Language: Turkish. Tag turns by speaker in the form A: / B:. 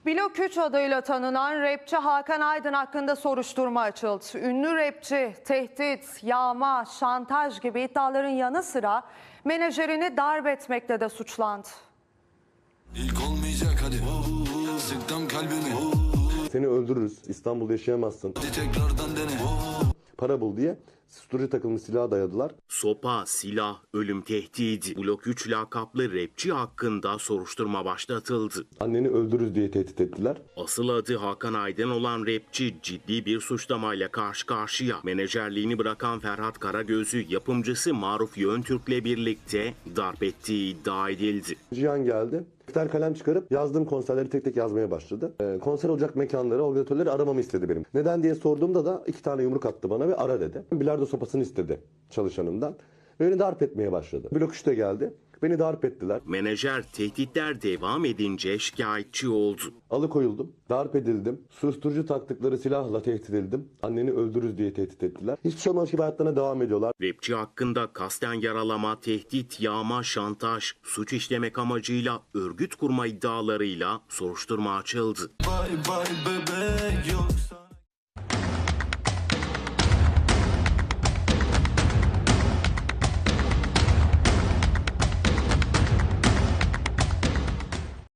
A: Blok 3 adıyla tanınan rapçi Hakan Aydın hakkında soruşturma açıldı. Ünlü rapçi tehdit, yağma, şantaj gibi iddiaların yanı sıra menajerini darp etmekle de suçlandı.
B: İlk olmayacak hadi. Sıktım kalbimi.
C: Seni öldürürüz, İstanbul'da yaşayamazsın.
B: Hadi tekrardan dene.
C: Para bul diye susturucu takılmış silaha dayadılar.
D: Sopa, silah, ölüm tehdidi. Blok 3 lakaplı rapçi hakkında soruşturma başlatıldı.
C: Anneni öldürürüz diye tehdit ettiler.
D: Asıl adı Hakan Aydın olan rapçi ciddi bir suçlamayla karşı karşıya. Menajerliğini bırakan Ferhat Karagöz'ü yapımcısı Maruf Yöntürk'le birlikte darp ettiği iddia edildi.
C: Cihan geldi. Defter kalem çıkarıp yazdığım konserleri tek tek yazmaya başladı. Konser olacak mekanları, organizatörleri aramamı istedi benim. Neden diye sorduğumda da 2 tane yumruk attı bana ve ara dedi. Bilardo sopasını istedi çalışanımdan. Ve beni darp etmeye başladı. Blok 3'te geldi. Beni darp ettiler.
D: Menajer tehditler devam edince şikayetçi oldu.
C: Alıkoyuldum, darp edildim. Susturucu taktıkları silahla tehdit edildim. Anneni öldürürüz diye tehdit ettiler. Hiçbir şey olmamış gibi hayatlarına devam ediyorlar.
D: Rapçi hakkında kasten yaralama, tehdit, yağma, şantaj, suç işlemek amacıyla örgüt kurma iddialarıyla soruşturma açıldı.
B: Bye bye bebek yoksa